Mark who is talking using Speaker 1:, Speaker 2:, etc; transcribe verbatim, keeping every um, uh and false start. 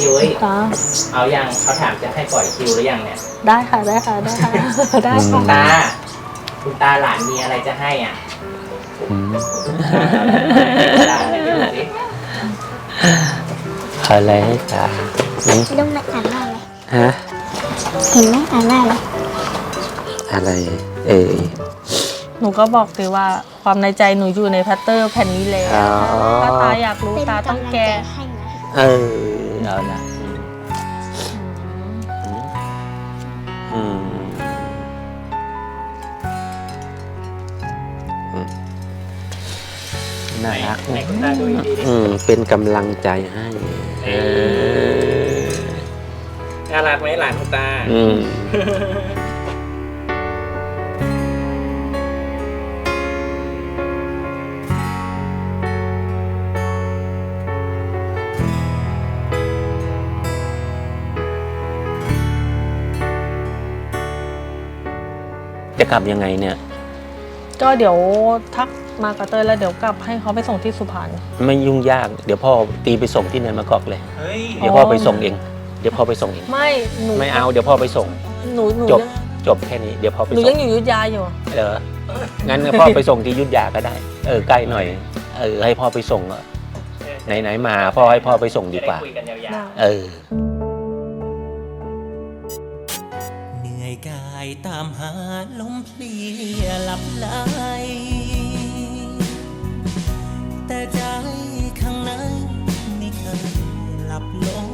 Speaker 1: พี่ยุ้ย
Speaker 2: ตา
Speaker 1: เอายังเขาถามจะให้ปล่อยคิวหรือยังเนี่ย
Speaker 2: ได้ค่ะได้ค่ะได้ค่ะได้
Speaker 1: คุณ
Speaker 2: ค่ะ
Speaker 1: ตาคุณตาหลานมีอะไรจะให้อ่ะ
Speaker 3: อืม
Speaker 1: ตาให้ดูสิ
Speaker 3: อะไรให้ตาอืม
Speaker 4: ลุงมาอ่านว่าอะไร
Speaker 3: ฮะ
Speaker 4: เห็นไหมอ่านว่าอะไร
Speaker 3: อะไร เอ่ย
Speaker 2: หนูก็บอกสิว่าความในใจหนูอยู่ในแพตเตอร์แผ่นนี้แล้ว
Speaker 3: อ๋อ
Speaker 2: ถ้าตาอยากรู้
Speaker 4: เป็น
Speaker 2: ตาต้อง
Speaker 4: กำลัง
Speaker 2: แก้
Speaker 4: ใจให้นะ
Speaker 3: เออเอาละอืมอืมน่ารัก
Speaker 1: ไหนคุณตาดูดีๆดิ
Speaker 3: อืมเป็นกำลังใจให้เออ
Speaker 1: น่ารักไหมหลานคุณตา
Speaker 3: อืมจะกลับยังไงเนี่ย
Speaker 2: ก็เดี๋ยวทักมากับเตยแล้วเดี๋ยวกลับให้เขาไปส่งที่สุพรรณ
Speaker 3: ไม่ยุ่งยาก เดี๋ยวพ่อตีไปส่งที่เนินมะกอกเลย
Speaker 1: เฮ้ย
Speaker 3: เดี๋ยวพ่อไปส่งเอง เดี๋ยวพ่อไปส่งเอง
Speaker 2: ไม่หนู
Speaker 3: ไม่เอา เดี๋ยวพ่อไปส่ง
Speaker 2: หนูหนู
Speaker 3: จบ
Speaker 2: ยัง
Speaker 3: จบแค่นี้ เดี๋ยวพ่อไป
Speaker 2: หนู
Speaker 3: ส่
Speaker 2: ยัง งอยู่อยุธยาอยู่
Speaker 3: เอองั้นพ่อไปส่งที่ยุทธยาก็ได้ เออ ใกล้หน่อย เออ ให้พ่อไปส่งอะไหนๆมา พ่อให้พ่อไปส่งดีกว่า
Speaker 1: จะไคุยกันยาว
Speaker 3: เออ
Speaker 5: เหนื่อยกายตามหาลมเพลียหลับไหลแต่ใจข้างในไม่เคยหลับลง